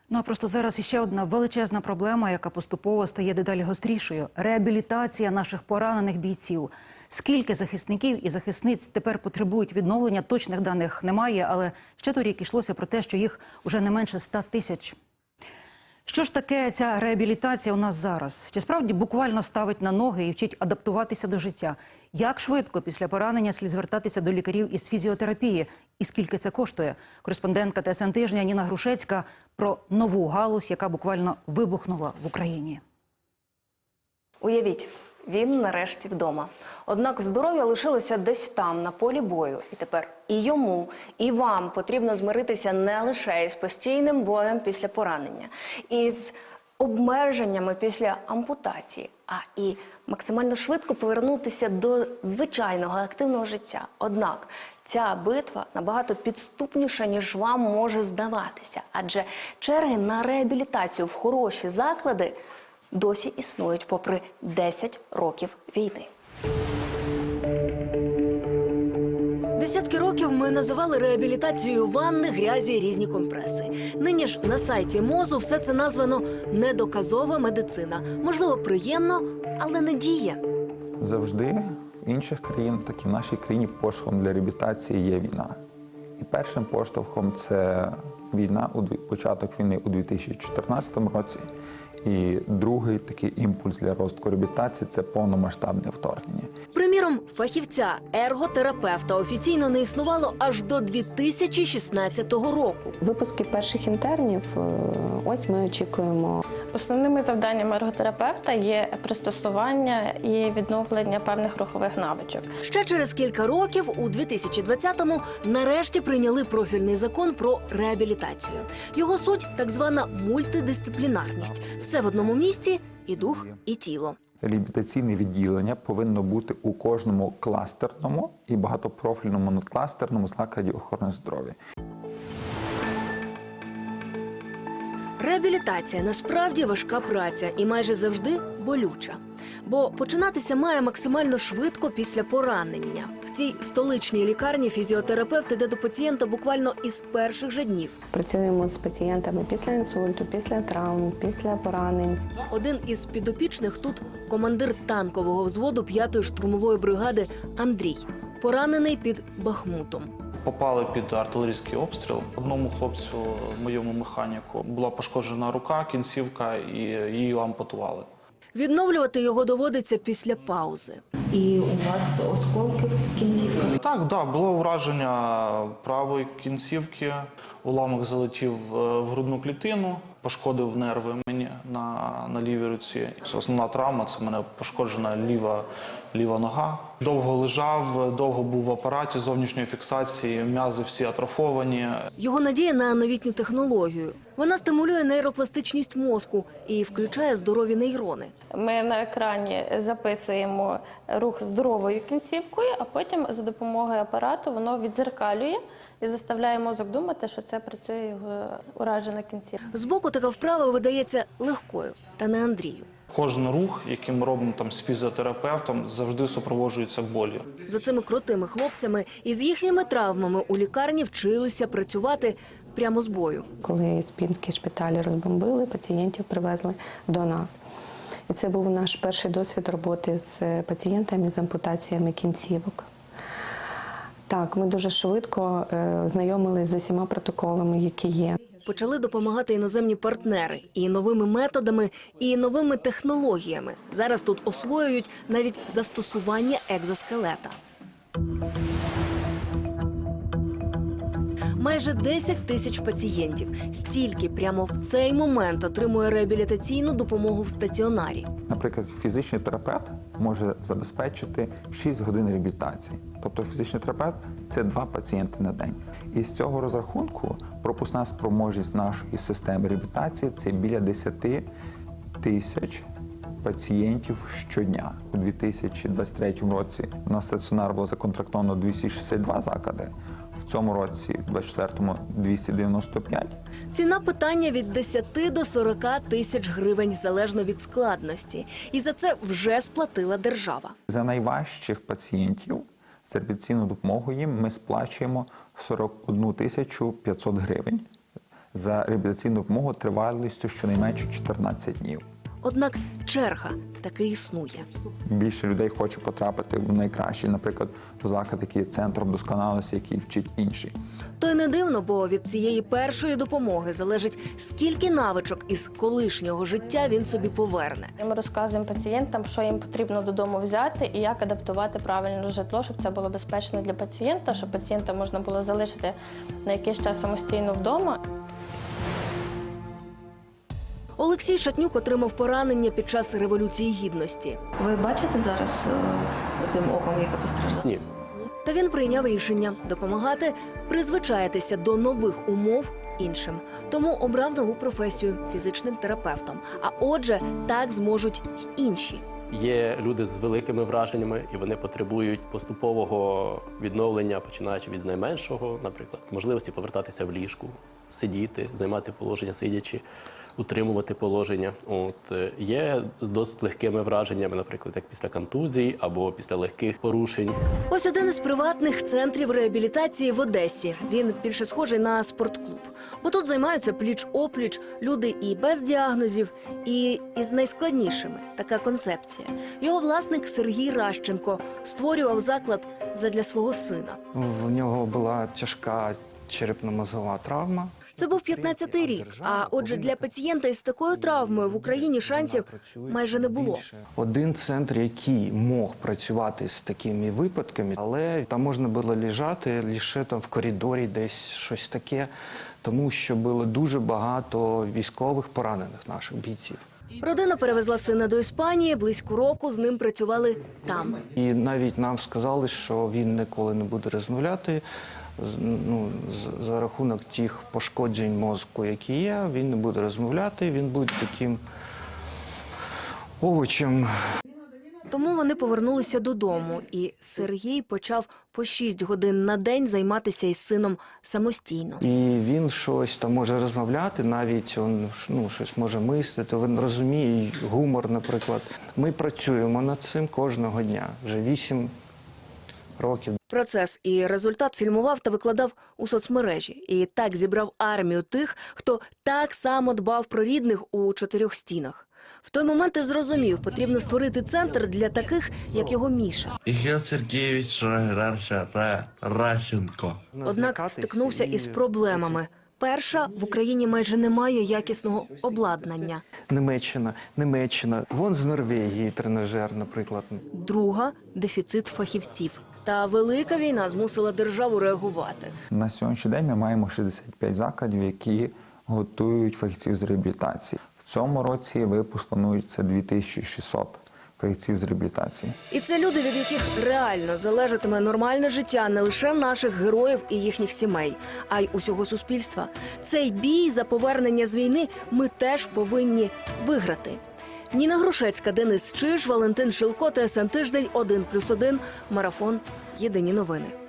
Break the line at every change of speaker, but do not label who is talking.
Ну а просто зараз іще одна величезна проблема, яка поступово стає дедалі гострішою – реабілітація наших поранених бійців. Скільки захисників і захисниць тепер потребують відновлення, точних даних немає, але ще торік йшлося про те, що їх уже не менше 100 тисяч. Що ж таке ця реабілітація у нас зараз? Чи справді буквально ставить на ноги і вчить адаптуватися до життя? Як швидко після поранення слід звертатися до лікарів із фізіотерапії? І скільки це коштує? Кореспондентка ТСН Тижня Ніна Грушецька про нову галузь, яка буквально вибухнула в Україні.
Уявіть, він нарешті вдома. Однак здоров'я лишилося десь там, на полі бою. І тепер і йому, і вам потрібно змиритися не лише із постійним болем після поранення, із обмеженнями після ампутації, а і максимально швидко повернутися до звичайного активного життя. Однак ця битва набагато підступніша, ніж вам може здаватися. Адже черги на реабілітацію в хороші заклади досі існують попри 10 років війни.
Десятки років ми називали реабілітацією ванни, грязі, різні компреси. Нині ж на сайті МОЗу все це названо «недоказова медицина». Можливо, приємно, але не діє.
Завжди в інших країнах, так і в нашій країні, поштовхом для реабілітації є війна. І першим поштовхом це війна, початок війни у 2014 році. І другий такий імпульс для розвитку реабілітації – це повномасштабне вторгнення.
Приміром, фахівця, ерготерапевта офіційно не існувало аж до 2016 року.
Випуски перших інтернів, ось ми очікуємо.
Основними завданнями ерготерапевта є пристосування і відновлення певних рухових навичок.
Ще через кілька років, у 2020-му, нарешті прийняли профільний закон про реабілітацію. Його суть – так звана мультидисциплінарність. Все в одному місці – і дух, і тіло.
Реабілітаційне відділення повинно бути у кожному кластерному і багатопрофільному надкластерному закладі охорони здоров'я.
Реабілітація насправді важка праця і майже завжди болюча. Бо починатися має максимально швидко після поранення. В цій столичній лікарні фізіотерапевт іде до пацієнта буквально із перших же днів.
Працюємо з пацієнтами після інсульту, після травм, після поранень.
Один із підопічних тут – командир танкового взводу 5-ї штурмової бригади Андрій, поранений під Бахмутом.
Попали під артилерійський обстріл. Одному хлопцю, моєму механіку, була пошкоджена рука, кінцівка, і її ампутували.
Відновлювати його доводиться після паузи.
І у вас осколки в кінцівках?
Так, було враження правої кінцівки, уламок залетів в грудну клітину, пошкодив нерви мені на лівій руці. Основна травма – це в мене пошкоджена ліва нога. Довго лежав, довго був в апараті зовнішньої фіксації, м'язи всі атрофовані.
Його надія на новітню технологію. Вона стимулює нейропластичність мозку і включає здорові нейрони.
Ми на екрані записуємо рух здоровою кінцівкою, а потім за допомогою апарату воно віддзеркалює і заставляє мозок думати, що це працює його уражена кінцівка.
Збоку така вправа видається легкою, та не Андрію.
Кожен рух, який ми робимо з фізіотерапевтом, завжди супроводжується болью.
З оцими крутими хлопцями і з їхніми травмами у лікарні вчилися працювати прямо з бою.
Коли пінські шпиталі розбомбили, пацієнтів привезли до нас. І це був наш перший досвід роботи з пацієнтами з ампутаціями кінцівок. Так, ми дуже швидко знайомились з усіма протоколами, які є.
Почали допомагати іноземні партнери і новими методами, і новими технологіями. Зараз тут освоюють навіть застосування екзоскелета. Майже 10 тисяч пацієнтів. Стільки прямо в цей момент отримує реабілітаційну допомогу в стаціонарі.
Наприклад, фізичний терапевт може забезпечити 6 годин реабілітації. Тобто фізичний терапевт – це 2 пацієнти на день. І з цього розрахунку пропускна спроможність нашої системи реабілітації – це біля 10 тисяч пацієнтів щодня. У 2023 році на стаціонар було законтрактовано 262 заклади. В цьому році, у 2024-му, 295.
Ціна питання від 10 до 40 тисяч гривень, залежно від складності. І за це вже сплатила держава.
За найважчих пацієнтів з реабілітаційною допомогою їм ми сплачуємо 41 тисячу 500 гривень за реабілітаційну допомогу тривалістю щонайменше 14 днів.
Однак черга таки існує.
Більше людей хоче потрапити в найкращий, наприклад, в заклад, який є центром досконалості, який вчить інші.
То й не дивно, бо від цієї першої допомоги залежить, скільки навичок із колишнього життя він собі поверне.
І ми розказуємо пацієнтам, що їм потрібно додому взяти і як адаптувати правильно житло, щоб це було безпечно для пацієнта, щоб пацієнта можна було залишити на якийсь час самостійно вдома.
Олексій Шатнюк отримав поранення під час Революції Гідності.
Ви бачите зараз тим оком, яке постраждало?
Ні.
Та він прийняв рішення допомагати призвичаїтися до нових умов іншим. Тому обрав нову професію – фізичним терапевтом. А отже, так зможуть й інші.
Є люди з великими враженнями, і вони потребують поступового відновлення, починаючи від найменшого, наприклад, можливості повертатися в ліжку, сидіти, займати положення сидячи, утримувати положення. Є з досить легкими враженнями, наприклад, як після контузій або після легких порушень.
Ось один із приватних центрів реабілітації в Одесі. Він більше схожий на спортклуб. Бо тут займаються пліч-опліч люди і без діагнозів, і із найскладнішими. Така концепція. Його власник Сергій Ращенко створював заклад задля свого сина.
В нього була тяжка черепно-мозгова травма.
Це був 15-й рік, а отже для пацієнта із такою травмою в Україні шансів майже не було.
Один центр, який мог працювати з такими випадками, але там можна було лежати лише там в коридорі, десь щось таке, тому що було дуже багато військових поранених наших бійців.
Родина перевезла сина до Іспанії, близько року з ним працювали там.
І навіть нам сказали, що він ніколи не буде розмовляти, за рахунок тих пошкоджень мозку, які є, він не буде розмовляти, він буде таким овочем.
Тому вони повернулися додому, і Сергій почав по 6 годин на день займатися із сином самостійно.
І він щось там може розмовляти, навіть він щось може мислити, він розуміє гумор, наприклад. Ми працюємо над цим кожного дня, вже 8 років.
Процес і результат фільмував та викладав у соцмережі. І так зібрав армію тих, хто так само дбав про рідних у 4 стінах. В той момент і зрозумів, потрібно створити центр для таких, як його Міша.
Ігор Сергійович Ращенко.
Однак стикнувся із проблемами. Перша, в Україні майже немає якісного обладнання.
Німеччина. Вон з Норвегії тренажер, наприклад.
Друга – дефіцит фахівців. Та велика війна змусила державу реагувати.
На сьогоднішній день ми маємо 65 закладів, які готують фахівців з реабілітації. В цьому році випуск планується 2600 фахівців з реабілітації.
І це люди, від яких реально залежатиме нормальне життя не лише наших героїв і їхніх сімей, а й усього суспільства. Цей бій за повернення з війни ми теж повинні виграти. Ніна Грушецька, Денис Чиж, Валентин Шилко, ТСН Тиждень, 1+1, Марафон. Єдині новини.